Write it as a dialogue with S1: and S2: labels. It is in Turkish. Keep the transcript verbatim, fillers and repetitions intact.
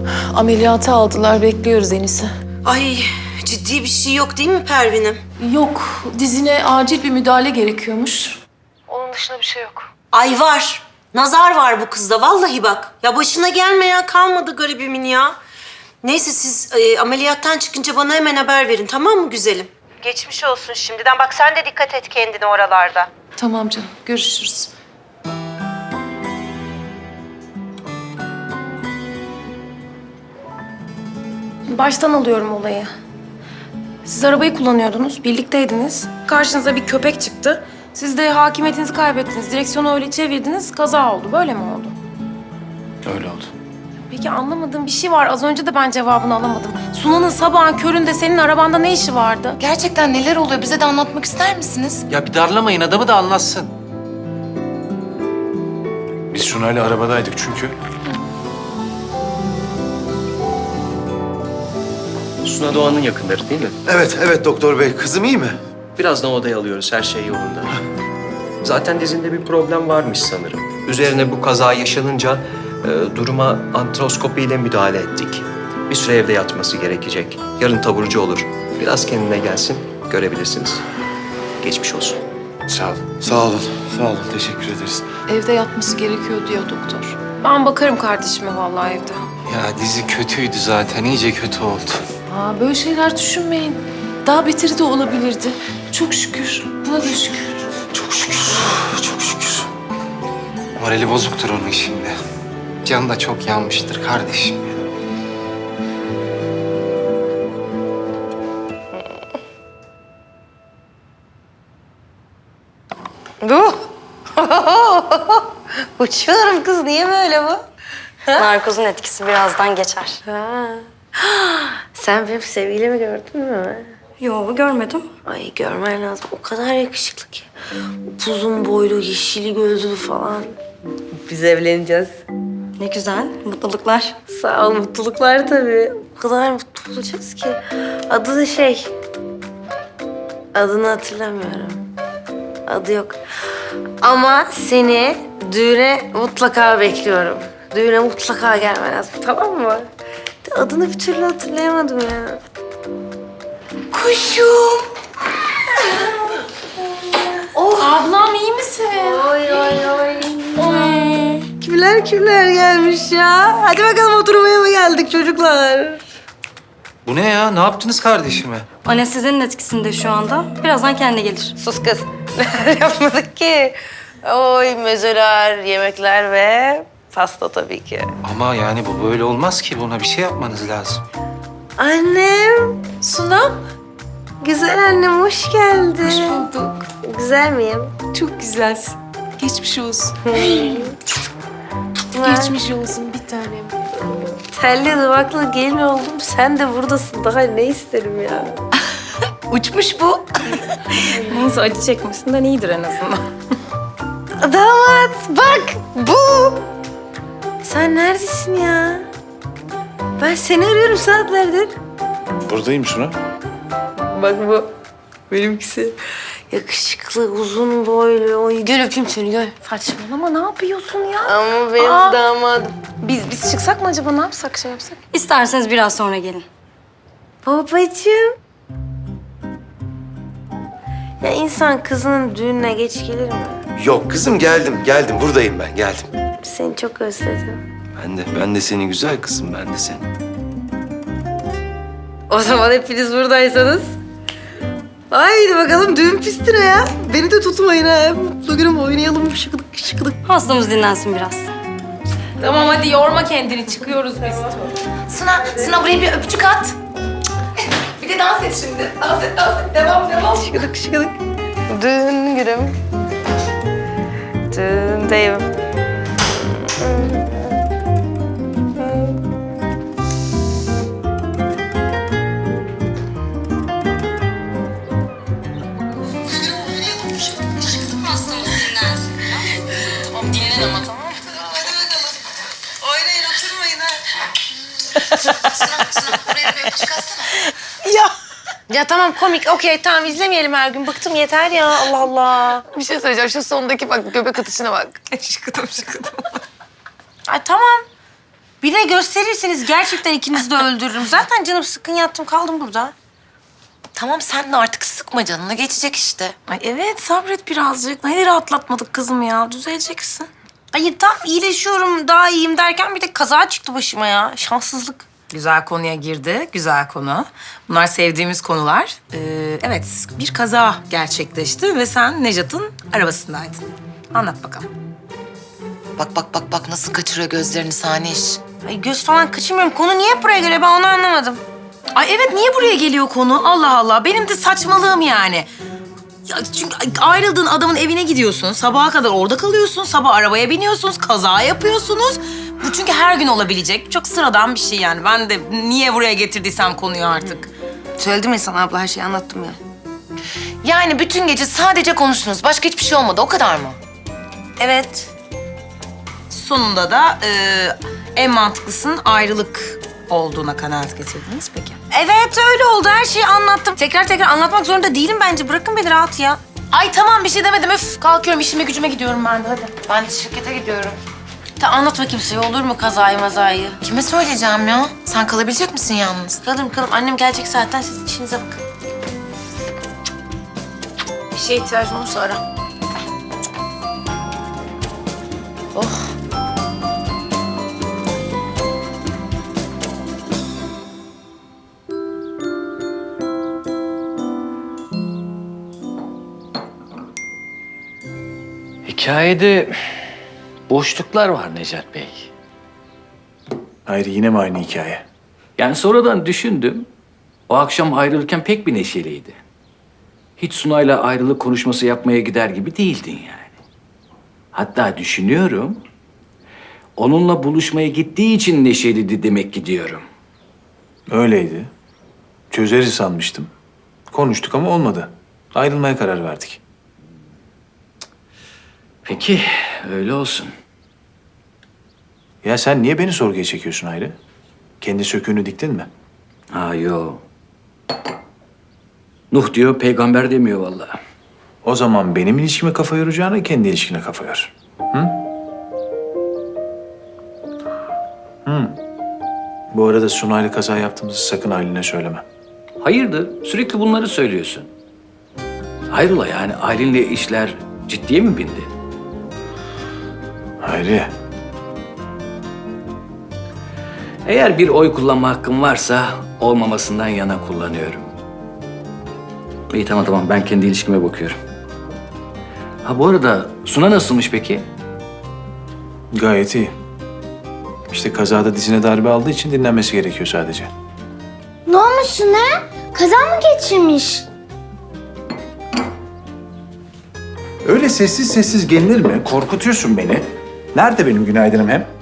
S1: Ameliyata aldılar, bekliyoruz Enis'i.
S2: Ay ciddi bir şey yok değil mi Pervin'im?
S1: Yok, dizine acil bir müdahale gerekiyormuş. Onun dışında bir şey yok.
S2: Ay var. Nazar var bu kızda vallahi bak. Ya başına gelmeyen kalmadı garibimin ya. Neyse siz e, ameliyattan çıkınca bana hemen haber verin tamam mı güzelim? Geçmiş olsun şimdiden. Bak sen de dikkat et kendine oralarda.
S1: Tamam canım, görüşürüz.
S3: Baştan alıyorum olayı. Siz arabayı kullanıyordunuz, birlikteydiniz. Karşınıza bir köpek çıktı. Siz de hakimiyetinizi kaybettiniz. Direksiyonu öyle çevirdiniz, kaza oldu. Böyle mi oldu?
S4: Öyle oldu.
S3: Peki anlamadığım bir şey var. Az önce de ben cevabını alamadım. Sunan'ın sabahın köründe senin arabanda ne işi vardı?
S5: Gerçekten neler oluyor? Bize de anlatmak ister misiniz?
S4: Ya bir darlamayın, adamı da anlatsın. Biz Sunay'la arabadaydık çünkü.
S6: Suna Doğan'ın yakınları değil mi?
S7: Evet, evet doktor bey. Kızım iyi mi?
S6: Birazdan odaya alıyoruz, her şey yolunda. Zaten dizinde bir problem varmış sanırım. Üzerine bu kaza yaşanınca e, duruma antroskopiyle müdahale ettik. Bir süre evde yatması gerekecek. Yarın taburcu olur. Biraz kendine gelsin, görebilirsiniz. Geçmiş olsun.
S4: Sağ ol.
S7: Sağ olun, sağ olun. Teşekkür ederiz.
S1: Evde yatması gerekiyor diyor doktor.
S3: Ben bakarım kardeşime vallahi evde.
S4: Ya dizi kötüydü zaten, iyice kötü oldu.
S1: Aa, böyle şeyler düşünmeyin. Daha beteri de olabilirdi. Çok şükür, buna da şükür.
S4: Çok şükür, çok şükür. Morali bozuktur onun şimdi. Canı da çok yanmıştır kardeşim.
S2: Bu. Uçuyorum kız. Niye böyle bu?
S8: Narkozun etkisi birazdan geçer.
S2: Ha. Sen benim sevgilimi gördün mü?
S8: Yo, görmedim.
S2: Ay görmen lazım. O kadar yakışıklı ki. Uzun boylu, yeşili gözlü falan. Biz evleneceğiz.
S8: Ne güzel, mutluluklar.
S2: Sağ ol, mutluluklar tabii. O kadar mutlu olacağız ki. Adı da şey... Adını hatırlamıyorum. Adı yok. Ama seni düğüne mutlaka bekliyorum. Düğüne mutlaka gelmen lazım, tamam mı? Adını bir türlü hatırlayamadım ya. Kuşum.
S3: Ablam iyi misin?
S2: Oy oy oy. Kimler kimler gelmiş ya? Hadi bakalım oturmaya mı geldik çocuklar?
S4: Bu ne ya? Ne yaptınız kardeşime?
S8: Anestezinin etkisinde şu anda. Birazdan kendine gelir.
S2: Sus kız. Neler yapmadık ki? Oy mezeler, yemekler ve pasta tabii ki.
S4: Ama yani bu böyle olmaz ki. Buna bir şey yapmanız lazım.
S2: Annem,
S1: Sunam,
S2: güzel annem hoş geldin.
S1: hoş bulduk.
S2: Güzel miyim?
S1: Çok güzelsin. Geçmiş olsun. Geçmiş olsun bir tanem.
S2: Telli duvaklı gelin oldum. Sen de buradasın. Daha ne isterim ya? Uçmuş bu.
S3: Neyse acı çekmesinden iyidir en azından.
S2: Damat bak bu. Sen neredesin ya? Ben seni arıyorum saatlerdir.
S4: Buradayım Suna.
S2: Bak bu. Benimkisi. Yakışıklı, uzun boylu. Oy, gel öpeyim seni gel.
S3: Saçmalama ne yapıyorsun ya?
S2: Ama benim
S3: Aa.
S2: damadım.
S3: Biz biz çıksak mı acaba? Ne yapsak, şey yapsak?
S8: İsterseniz biraz sonra gelin.
S2: Babacığım. Ya insan kızının düğününe geç gelir mi?
S7: Yok kızım geldim, geldim. Buradayım ben, geldim.
S2: Seni çok özledim.
S7: Ben de, ben de seni güzel kızım, ben de seni.
S2: O zaman hepiniz buradaysanız. Haydi bakalım düğün pistine ya. Beni de tutmayın ha. Mutlu günüm oynayalım şıkıdık şıkıdık.
S8: Hastamız dinlensin biraz.
S3: Tamam hadi yorma kendini. Çıkıyoruz biz.
S5: Suna, Suna buraya bir öpücük at. Bir de dans et şimdi. Dans et, dans et. Devam, devam.
S2: Şıkıdık şıkıdık. Düğün günüm. Düğündeyim. Oynayın oturmayın ha.
S5: Suna, Suna buraya bir öpücük atsana.
S2: Ya. Ya tamam komik okey tamam izlemeyelim her gün. Bıktım yeter ya Allah Allah.
S5: Bir şey söyleyeceğim. Şu sondaki bak göbek atışına bak. Şıkıdım şıkıdım.
S2: Ay tamam. Bir de gösterirseniz gerçekten ikinizi de öldürürüm. Zaten canım sıkkın yattım kaldım burada.
S5: Tamam sen de artık sıkma canını geçecek işte.
S3: Ay evet sabret birazcık. Neleri atlatmadık kızım ya. Düzeleceksin.
S2: Hayır tam iyileşiyorum daha iyiyim derken bir de kaza çıktı başıma ya. Şanssızlık.
S3: Güzel konuya girdi. Güzel konu. Bunlar sevdiğimiz konular. Ee, evet bir kaza gerçekleşti ve sen Nejat'ın arabasındaydın. Anlat bakalım.
S5: Bak bak bak bak nasıl kaçırıyor gözlerini Saniş.
S2: Ay göz falan kaçırmıyorum. Konu niye buraya geliyor ben onu anlamadım.
S3: Ay evet niye buraya geliyor konu? Allah Allah. Benim de saçmalığım yani. Ya çünkü ayrıldığın adamın evine gidiyorsun. Sabaha kadar orada kalıyorsun. Sabah arabaya biniyorsunuz. Kaza yapıyorsunuz. Bu çünkü her gün olabilecek. Çok sıradan bir şey yani. Ben de niye buraya getirdiysem konuyu artık.
S2: Söyledim ya sana abla her şeyi anlattım ya.
S5: Yani bütün gece sadece konuştunuz. Başka hiçbir şey olmadı o kadar mı?
S2: Evet.
S3: Sonunda da e, en mantıklısının ayrılık olduğuna kanaat getirdiniz peki.
S2: Evet öyle oldu her şeyi anlattım. Tekrar tekrar anlatmak zorunda değilim bence. Bırakın beni rahat ya.
S3: Ay tamam bir şey demedim. Öf kalkıyorum işime gücüme gidiyorum ben de hadi.
S5: Ben de şirkete gidiyorum.
S2: Ta anlatma kimseye olur mu kazayı mazayı?
S5: Kime söyleyeceğim ya? Sen kalabilecek misin yalnız?
S2: Kalırım kalırım. Annem gelecek zaten siz işinize bakın.
S3: Bir şeye ihtiyacın olursa ara.
S5: Oh.
S9: Hikayede boşluklar var Necat Bey.
S10: Hayır yine mi aynı hikaye?
S9: Yani sonradan düşündüm. O akşam ayrılırken pek bir neşeliydi. Hiç Sunay'la ayrılık konuşması yapmaya gider gibi değildin yani. Hatta düşünüyorum, onunla buluşmaya gittiği için neşeliydi demek ki diyorum.
S10: Öyleydi. Çözeriz sanmıştım. Konuştuk ama olmadı. Ayrılmaya karar verdik.
S9: Peki, öyle olsun.
S10: Ya sen niye beni sorguya çekiyorsun Hayri? Kendi söküğünü diktin mi?
S9: Ha yo. Nuh diyor, peygamber demiyor vallahi.
S10: O zaman benim ilişkime kafa yoracağına kendi ilişkine kafa yor. Hı? Hı. Bu arada Sunay'la kaza yaptığımızı sakın Aylin'e söyleme.
S9: Hayırdır? Sürekli bunları söylüyorsun. Hayrola yani Aylin'le işler ciddiye mi bindi?
S10: Hayri.
S9: Eğer bir oy kullanma hakkım varsa olmamasından yana kullanıyorum. İyi tamam tamam ben kendi ilişkime bakıyorum. Ha bu arada Suna nasılmış peki?
S10: Gayet iyi. İşte kazada dizine darbe aldığı için dinlenmesi gerekiyor sadece.
S11: Ne olmuş ne? Kaza mı geçirmiş?
S10: Öyle sessiz sessiz gelinir mi? Korkutuyorsun beni. Nerede benim günaydınım hem?